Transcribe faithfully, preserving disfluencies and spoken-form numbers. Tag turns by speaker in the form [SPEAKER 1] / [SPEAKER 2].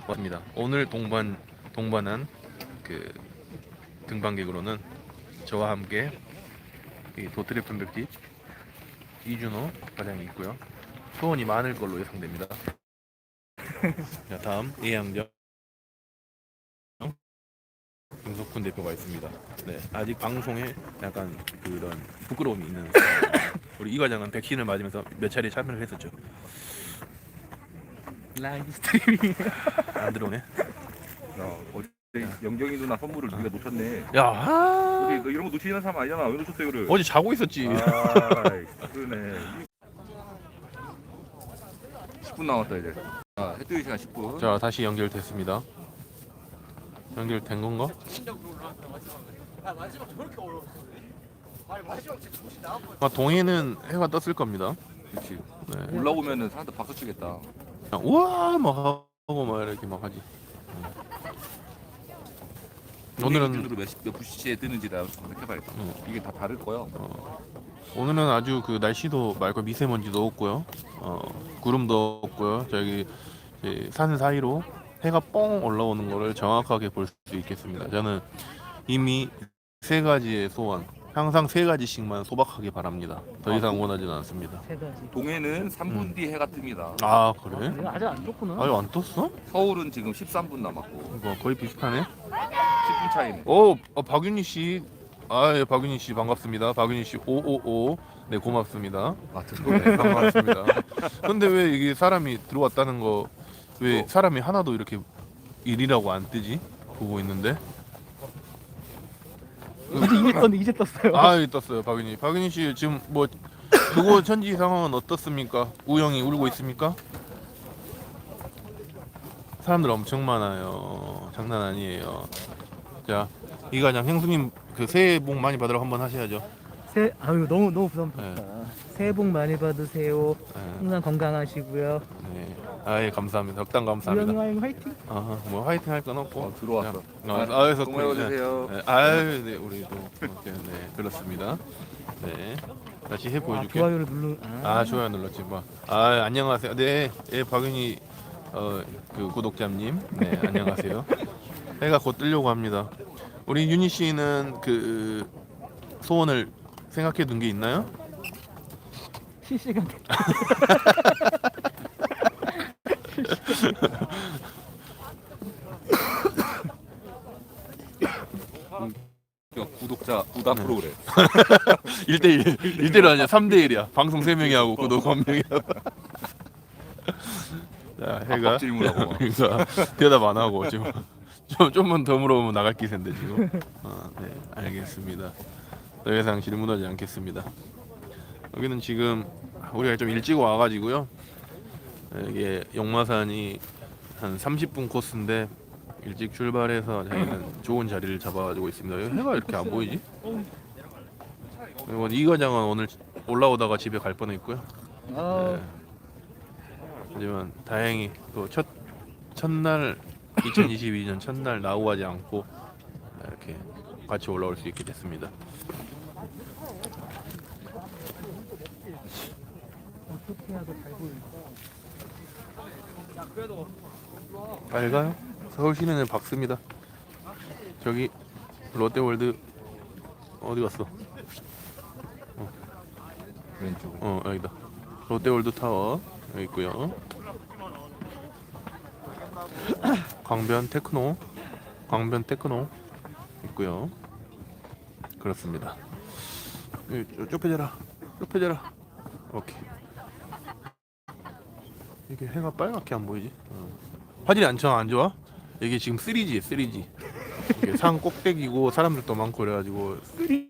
[SPEAKER 1] 맞습니다. 오늘 동반 동반한 그 등반객으로는 저와 함께 이 도트랩 편백집 이준호 과장이 있고요. 소원이 많을 걸로 예상됩니다. 자, 다음 예양정 김석훈 대표가 있습니다. 네, 아직 방송에 약간 그런 부끄러움이 있는 사람입니다. 우리 이 과장은 백신을 맞으면서 몇 차례 참여를 했었죠.
[SPEAKER 2] 라이브 스트리밍.
[SPEAKER 1] 안 들어오네.
[SPEAKER 3] 야, 어제 영경이 누나 선물을 우리가 놓쳤네.
[SPEAKER 1] 야,
[SPEAKER 3] 어디
[SPEAKER 1] 아,
[SPEAKER 3] 너 이런 거 놓치는 사람 아니잖아. 왜 놓쳤어 이거를?
[SPEAKER 1] 어제 자고 있었지.
[SPEAKER 3] 아, 그러네. 십 분 남았다 이제. 아, 해뜨기 시간 십 분.
[SPEAKER 1] 자, 다시 연결됐습니다. 연결된 건가? 아, 동해는 해가 떴을 겁니다.
[SPEAKER 3] 그렇지.
[SPEAKER 1] 네.
[SPEAKER 3] 올라오면은 사람들 박수 치겠다.
[SPEAKER 1] 그냥 우와 막 하고 막 이렇게 막 하지. 오늘은
[SPEAKER 3] 기준으로 몇, 시- 몇 시에 뜨는지 나 검색해봐야겠다.
[SPEAKER 1] 음.
[SPEAKER 3] 이게 다 다를 거야.
[SPEAKER 1] 어, 오늘은 아주 그 날씨도 맑고 미세먼지도 없고요. 어, 구름도 없고요. 저기 이제 산 사이로 해가 뻥 올라오는 거를 정확하게 볼 수 있겠습니다. 저는 이미 세 가지의 소원, 항상 세 가지씩만 소박하게 바랍니다. 더 이상
[SPEAKER 3] 아,
[SPEAKER 1] 원하지는 않습니다.
[SPEAKER 2] 세 가지.
[SPEAKER 3] 동해는 삼 분
[SPEAKER 1] 음.
[SPEAKER 3] 뒤 해가 뜹니다.
[SPEAKER 1] 아 그래?
[SPEAKER 2] 이거 아직 안 떴구나.
[SPEAKER 1] 아유 안 떴어?
[SPEAKER 3] 서울은 지금 십삼 분 남았고
[SPEAKER 1] 이거 거의 비슷하네.
[SPEAKER 3] 십 분 차이네.
[SPEAKER 1] 오, 어, 박윤희 씨, 아, 예, 박윤희 씨 반갑습니다. 박윤희 씨 오오오, 네 고맙습니다.
[SPEAKER 3] 아,
[SPEAKER 1] 네,
[SPEAKER 3] 들어오네.
[SPEAKER 1] 반갑습니다. 근데 왜 이게 사람이 들어왔다는 거, 왜
[SPEAKER 3] 어.
[SPEAKER 1] 사람이 하나도 이렇게 일이라고 안 뜨지? 보고 있는데.
[SPEAKER 2] 이제 이제 떴는데 이제 떴어요.
[SPEAKER 1] 아, 여기 떴어요, 박윤희. 박윤희 씨 지금 뭐 그거 천지 상황은 어떻습니까? 우영이 울고 있습니까? 사람들 엄청 많아요. 장난 아니에요. 자, 이과장 형수님 그 새해 복 많이 받으러 한번 하셔야죠.
[SPEAKER 2] 새 아유 너무 너무 부담스럽다. 새해 복 많이 받으세요.
[SPEAKER 1] 네.
[SPEAKER 2] 항상 건강하시고요.
[SPEAKER 1] 네. 아예 감사합니다. 덕담
[SPEAKER 2] 우영이
[SPEAKER 1] 감사합니다.
[SPEAKER 2] 와인 화이팅.
[SPEAKER 1] 아, 뭐 화이팅 할 건 없고.
[SPEAKER 3] 어, 들어왔어.
[SPEAKER 1] 그냥, 어, 아에서
[SPEAKER 3] 고마워주세요.
[SPEAKER 1] 네, 아유, 네, 우리도 이렇게, 네, 그렇습니다. 네, 다시 해
[SPEAKER 2] 아,
[SPEAKER 1] 보여줄게.
[SPEAKER 2] 좋아요를 눌러.
[SPEAKER 1] 아, 좋아요 눌렀지 뭐. 아, 안녕하세요. 네, 예, 박윤희 어, 그 구독자님, 네, 안녕하세요. 해가 곧 뜨려고 합니다. 우리 윤희 씨는 그 소원을 생각해 둔 게 있나요?
[SPEAKER 2] 실시간.
[SPEAKER 3] 구독자 부담
[SPEAKER 1] 네.
[SPEAKER 3] 프로그램.
[SPEAKER 1] 일 대 일, 일 대 일 아니야. 삼 대 일이야. 방송 세 명이 하고 구독 한 명이 하고. 자, 해가
[SPEAKER 3] 압박 질문하고 막.
[SPEAKER 1] 그러니까 대답 안 하고 지금 좀 좀만 더 물어보면 나갈 기세인데 지금. 어, 네, 알겠습니다. 더 이상 질문하지 않겠습니다. 여기는 지금 우리가 좀 일찍 와가지고요. 이게 용마산이 한 삼십 분 코스인데 일찍 출발해서 저희는 좋은 자리를 잡아가지고 있습니다. 여기 해가 이렇게 안 보이지? 그리고 이 과장은 오늘 올라오다가 집에 갈 뻔했고요.
[SPEAKER 2] 아,
[SPEAKER 1] 네. 하지만 다행히 또 첫 첫날 이천이십이 년 첫날 나우하지 않고 이렇게 같이 올라올 수 있게 됐습니다.
[SPEAKER 2] 어떻게 하고 잘 보일까?
[SPEAKER 1] 밝아요? 서울 시내는 밝습니다. 저기 롯데월드 어디 갔어?
[SPEAKER 3] 왼쪽.
[SPEAKER 1] 어 여기다. 롯데월드 타워 여기 있고요. 광변 테크노, 광변 테크노 있고요. 그렇습니다. 여기 좁- 좁혀져라, 좁혀져라. 오케이. 이게 해가 빨갛게 안 보이지? 어. 화질이 안 좋아, 안 좋아? 이게 지금 쓰리지에 쓰리지. 이게 산 꼭대기고 사람들도 많고 그래가지고